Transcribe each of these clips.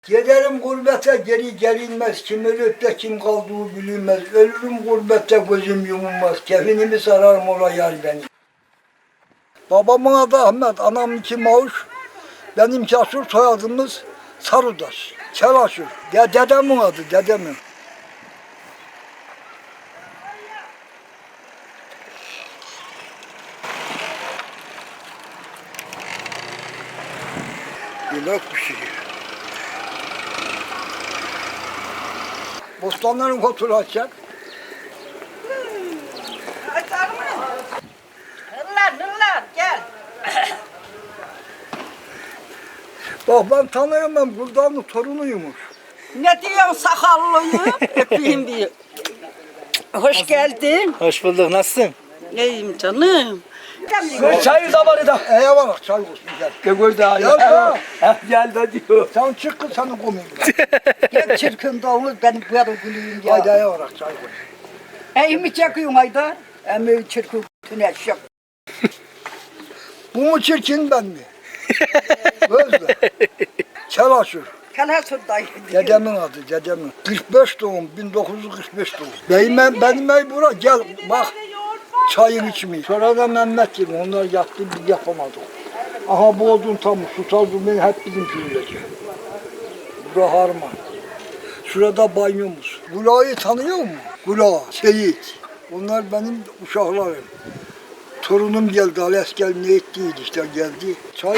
Giderim gurbete geri gelinmez, kim ölüp de kim kaldığı bilinmez. Ölürüm gurbette gözüm yumulmaz, kefinimi sararım ola yar beni. Babamın adı Ahmet, anamınki Mavuş, benimki Asur, soyadımız Sarıdaş, Çelaşır. Dedemin adı, dedemin. Yemek pişiriyor. Bostanların kontrolü açacak. Açar mı? Hırlar gel. Bak ben tanıyorum, ben buradanın torunuymuş. Ne diyorsun sakallıyı? Öpeyim diyor. Hoş geldin. Hoş bulduk. Nasılsın? İyiyim canım. Çayı da var da. Eyvallah, çay olsun gel. Gögöl daha Ya. Gel de diyor. Sen çık kız, seni komiyim. Gel çirkin davul benim bu yarım gülüyüm ya. Haydi eyvallah, çay koy. Eyimi çekiyorsun Haydar. Emi çirkin tüneş yok. Bu mu çirkin, ben mi? Gözle. Çelaşır. Kalasurdayım. Dedemin adı, dedemin. 45 doğum, 1945 doğum. Benim ev bura, gel bak. Çayın içmeyi. Sonra da Mehmet gibi, onlar yaptı, biz yapamadık. Aha bu odun tam, su tazı beni hep bizim köyündeki. Bura harman. Şurada banyomuz. Gula'yı tanıyor musun? Gula, Seyit. Onlar benim uşaklarım. Torunum geldi, Ales gel ne ettiydi işte geldi. Çay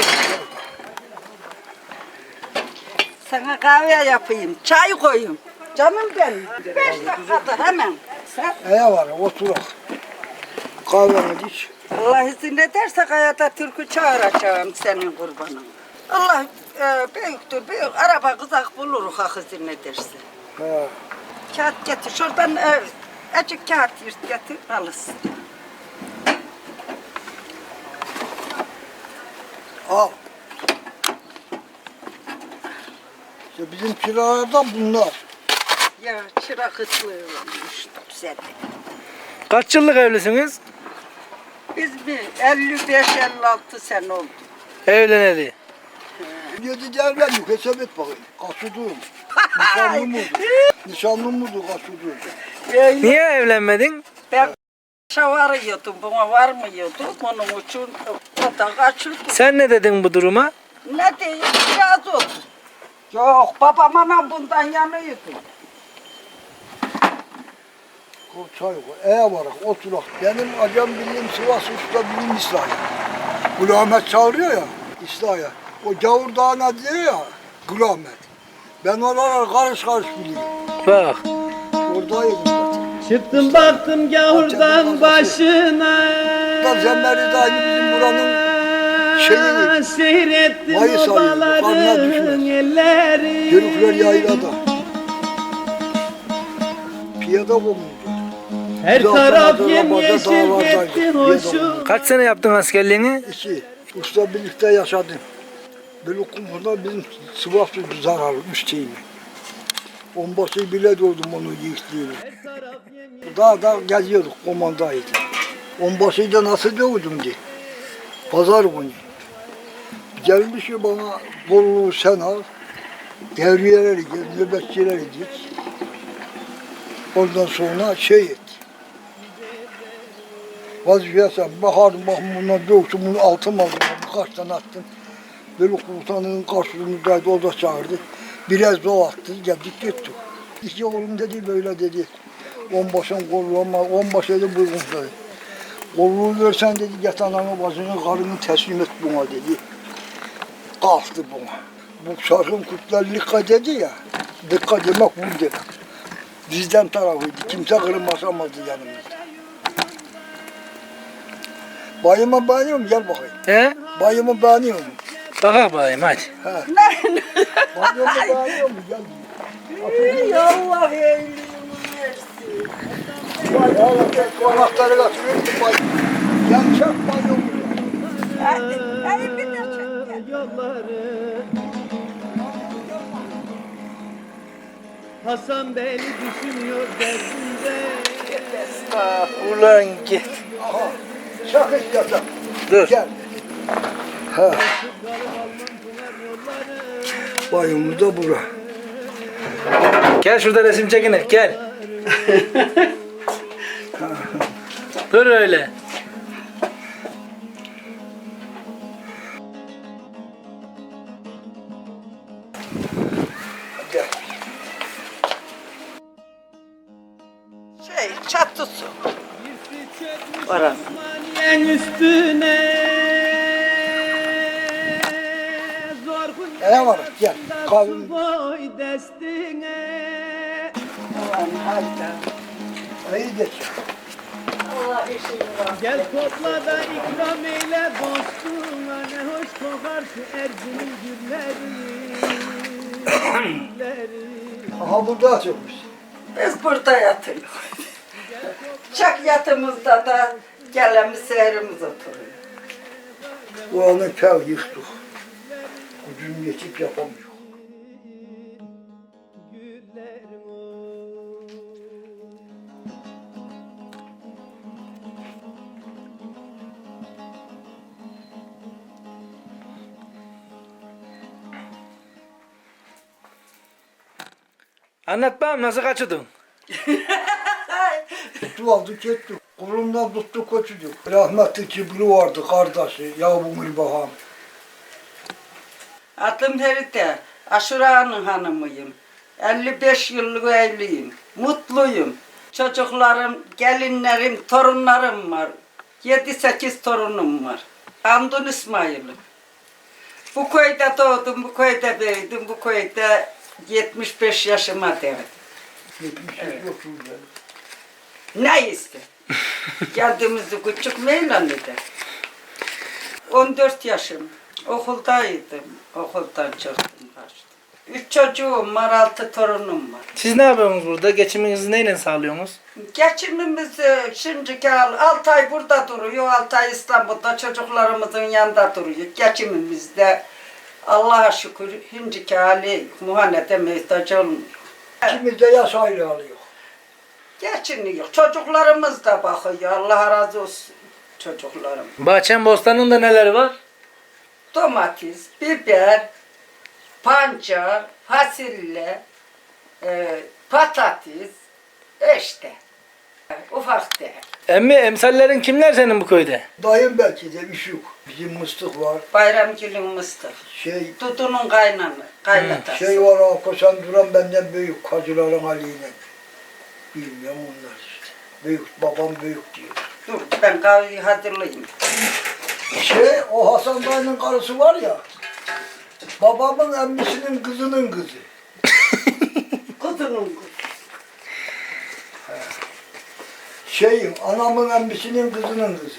Sana kahve yapayım, çay koyayım. Canım benim. 5 dakikada hemen. Sen eyvallah, oturak. Kahveni iç. Allah izin ederse hayata türkü çağıracağım senin kurbanın. Allah büyüktür, büyük. Araba kızak buluruz hak izin ederse. He. Kağıt getir, şuradan azıcık kağıt yırt getir, alırsın. Al. İşte bizim kiralardan bunlar. Ya çırak ıtlığı olmuş sende. Kaç yıllık evlisiniz? Biz mi 55-56 sene oldu. Evleneli. 7 evlendik, hesap et bakayım. Kaçırdığım. Nişanlı mıydı? Nişanlı mıydı kaçırdığım? Niye evlenmedin? Ben şavar yiyordum, buna var mı yiyordum? Onun için o da kaçırdı. Sen ne dedin bu duruma? Ne diyeyim, biraz oldu. Yok, babam anam bundan yanıyordu. Koy çay koy. Eyvallah, oturak. Benim acem bildiğim Sivas Usta bilim İslahiye. Gül Ahmet çağırıyor ya, İslahiye. O Gavur Dağı'na diyor ya, Gül Ahmet. Ben oraları karış karış biliyorum. Bak. Oradayım zaten. Çıktım baktım gavurdan başına. Da Zemmeri de aynı bizim buranın şeyi. Seyrettim Mayıs ayı, karnına obaların düşmez. elleri. Yörükler yaylada. Piyada bulundu. Her Zaten taraf arabada yemyeşil dağlardaydı, gitti piyada hoşum. bulundu. Kaç sene yaptın askerliğini? İki. Usta birlikte yaşadım. Böyle kumurda bizim Sivas'ı zararlı, üsteyimi. Onbaşı bile doldum onu yiğitliğini. Dağda geziyorduk, komandaydı. Onbaşıyı da nasıl dövdüm diye. Pazar günü. Gelmiş ki bana bolluğu sen al, devriyeleri gel, nöbetçileri dik. Ondan sonra şey et. Vazifeye sen bakardım, bakın bundan dövdüm, bunu altım aldım, birkaç tane attım. Böyle komutanın karşılığındaydı, o da çağırdı. Biraz o attı, geldik gittik. İki oğlum dedi, böyle dedi. Onbaşın kolluğu ama onbaşıydı buyurun dedi. Kolluğu versen dedi, get ananı bacını, karını teslim et buna dedi. Kalktı buna. Bu şarkın kurtlar dikkat dedi ya, dikkat demek bu demek. Bizden tarafıydı, kimse kırılmasamazdı yanımızda. Bayıma beğeniyorum, gel bakayım. He? Bayımı beğeniyorum. Bakak bakayım hadi. Bayımı beğeniyor mu? Gel. Ey Allah iyiliğini versin. Konakları götürüyorum. Gel çek bayımı. Hadi bir de çek. Yolları Hasan beni düşünüyor derdinde. Ulan git. Aha. Çak istiyorsan. Dur. Gel. Ha. Bayımı da bura. Gel şurada resim çekinek gel. Dur öyle. Gel. Çatısı. Orası. Yen üstüne zor Ne var? Gel. Kahvemi. boy destine. Ulan hayda. İyi geç. Allah işini var. Gel topla da ikram eyle dostuna, ne hoş kokar şu Erzin'in gülleri. Aha burada atıyormuş. Biz burada yatıyoruz. Çak yatımızda da gelemiz seherimiz oturuyor. Bu anı kel yıktık. Gücüm yetip yapamıyor. Güllerim oy. Anlat bakalım nasıl kaçırdın? Tuttu aldık gittik. Kolumdan tuttuk götürdük. Rahmetli Cibri vardı kardeşi. Yavrum İlbaham. Adım Herite, Aşura'nın hanımıyım. 55 yıllık evliyim. Mutluyum. Çocuklarım, gelinlerim, torunlarım var. 7-8 torunum var. Andun İsmail'im. Bu köyde doğdum, bu köyde büyüdüm, bu köyde 75 yaşıma devdim. 78 yok şurada. Ne iste? Geldiğimizde küçük meylanıydı. 14 yaşım. Okuldaydım. Okuldan çıktım kaçtım. 3 çocuğum var, 6 torunum var. Siz ne yapıyorsunuz burada? Geçiminizi neyle sağlıyorsunuz? Geçimimiz şimdiki 6 ay burada duruyor, 6 ay İstanbul'da çocuklarımızın yanında duruyor. Geçimimiz de Allah'a şükür şimdiki hali muhanede muhtaç olmuyor. İkimiz de yaş ayrı alıyor. Geçiniyor. Çocuklarımız da bakıyor. Allah razı olsun çocuklarım. Bahçen bostanında neler var? Domates, biber, pancar, fasulye, patates, işte. Ufak değil. Emmi emsallerin kimler senin bu köyde? Dayım belki de Üşük. Bizim mıstık var. Bayramgül'ün mıstık. Dudu'nun kaynatası. Şey var ha, koşan duran benden büyük. Kacıların Ali'yle. Bilmiyorum onlar işte. Büyük, babam büyük diyor. Dur ben kahveyi hazırlayayım. O Hasan dayının karısı var ya. Babamın emmisinin kızının kızı. Kudunun kızı. Anamın emmisinin kızının kızı.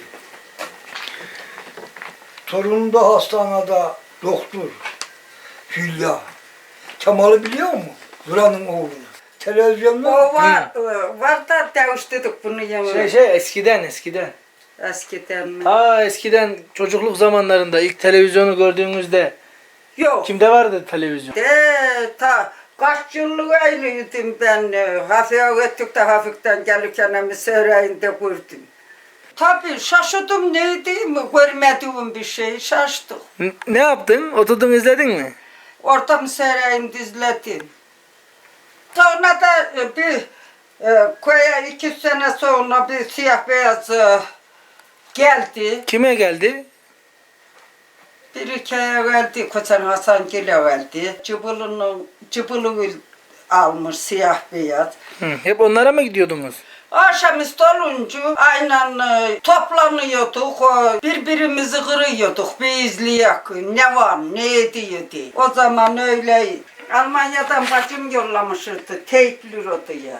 Torunum da hastanede doktor. Hülya. Kemal'i biliyor musun? Duran'ın oğlunu. Televizyonda. O var da deviştirdik bunu yemeğe. Eskiden. Eskiden mi? Eskiden çocukluk zamanlarında ilk televizyonu gördüğünüzde Yok. kimde vardı televizyon? Kaç yıllık evliydim ben. Hafif'e gittik de hafiften gelirken hem Söreyinde gördüm. Tabii şaşırdım neydi mi? Görmediğim bir şey şaştık. Ne yaptın? Oturdun izledin mi? Orada mı Söreyinde izledim. Sonra da bir köye 2 sene sonra bir siyah beyaz geldi. Kime geldi? Bir ülkeye geldi, Koçan Hasan Gül'e geldi. Cıbılını almış siyah beyaz. Hep onlara mı gidiyordunuz? Akşamüstü olunca aynen toplanıyorduk, birbirimizi kırıyorduk, bir izleyek, ne var, ne ediyor diye. O zaman öyle Almanya'dan bacım yollamıştı, teypli ya.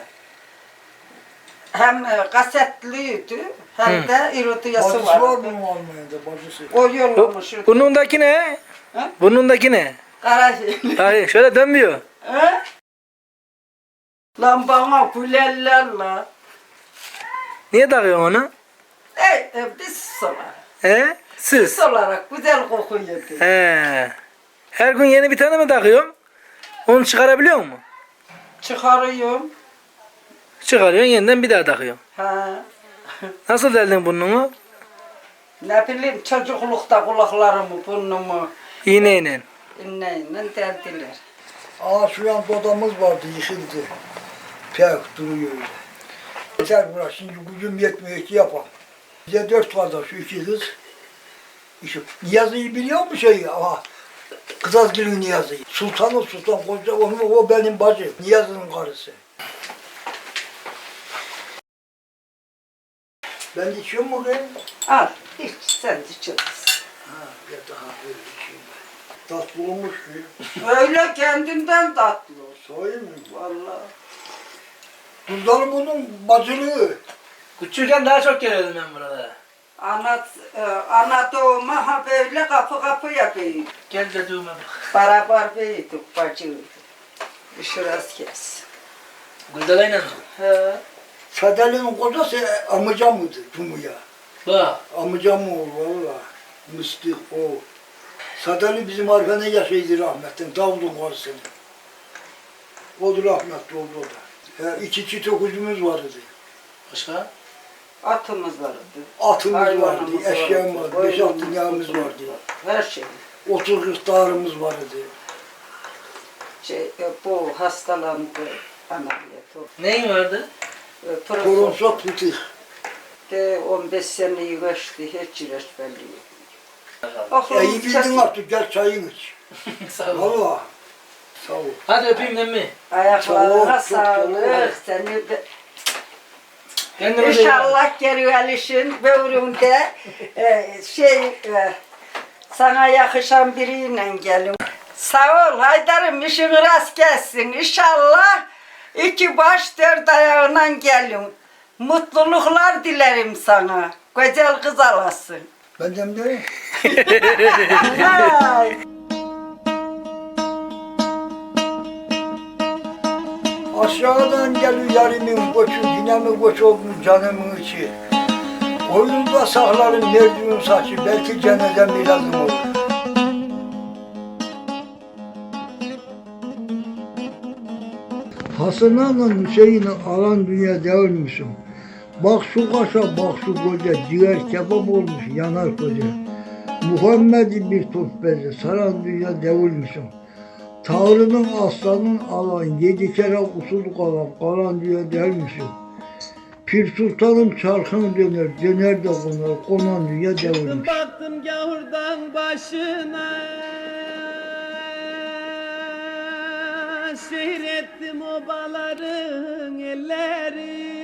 Hem kasetliydi hem de irodiyası Bacısı vardı. var mı Almanya'da bacısı? O yollamıştı. Burnundaki ne? Ha? Burnundaki ne? Karayı. Hayır şöyle dönmüyor. He? Lan bana gülerler la. Niye takıyorsun onu? Biz olarak. Siz? Biz olarak güzel kokuyordu. Her gün yeni bir tane mi takıyorsun? Onu çıkarabiliyor musun? Çıkarıyorum. Çıkarıyorsun yeniden bir daha takıyorsun. Ha. Nasıl deldin burnunu? Ne bileyim çocuklukta kulaklarımı, burnumu İğneyle. inneyle deldiler. Aa şu yan odamız vardı yıkıldı. Pek duruyor öyle. Yeter burası şimdi gücüm yetmiyor ki yapalım. Bize 4 kardeş, 2 kız. İşte Niyazi'yi biliyor musun şeyi? Ama Kızılgül'ün Niyazi'yi. Sultanı Sultan Koca, o benim bacım. Niyazi'nin karısı. Ben içiyorum mu kız? Al, hiç sen de içeriz. Ha, ya daha böyle içeyim ben. Tatlı olmuş ki. Öyle kendinden tatlı. Söyleyeyim mi? Vallahi. Kızlarım bunun bacılığı. Küçükken daha çok geliyordum ben burada. Ana doğuma ha böyle kapı kapı yapıyorduk. Gel dediğime bak. Beraber büyüdük bacıydık. Şurası kes. Güldalayla mı? He. Sadeli'nin kocası amcamıydı Cumu'ya. Bak. Amcam oğlu valla. Mıstık o. Sadeli bizim arkada yaşaydı rahmetten. Davud'un karısı. O da rahmetli oldu o da. İki çift okuzumuz vardı. Başka? Atımız vardı. Atımız vardı, Hayvanımız eşyam vardı, 5-6 koyunumuz, yağımız kutumuz vardı. Her şey. 30-40 dağarımız vardı. Bu hastalandı. Ameliyat oldu. Neyin vardı? Koronsot fıtık. De 15 seneyi geçti. Hiç ilaçbelli İyi bildin artık gel çayını iç. Sağ ol. Valla. Sağ ol. Hadi öpeyim emmi. Ayaklarına Çok, çok, çok. sağlık. Seni de Kendime de iyi bak. İnşallah gelişin böğrümde sana yakışan biriyle gelin. Sağ ol Haydar'ım, işin rast gelsin. İnşallah 2 baş 4 ayağına gelin. Mutluluklar dilerim sana. Güzel kız alasın. Benden de Ay. aşağıdan geliyor yarimin koçu, yine koç olmuş canımın içi. Oyunda saklarım merdiven saçı, belki cenazem bir lazım olur. Hasan'la Hüseyin'i alan dünya değil misin? Bak şu kaşa, bak şu koca, ciğer kebap olmuş yanar koca. Muhammed'i bir top beze, saran dünya değil misin? Tanrı'nın aslanın alan, 7 kere usul kalan dünya değil misin? Pir Sultanım çarkın döner, döner de konan dünya değil Çıktım misin? baktım gavurdan başına, seyrettim obaların elleri.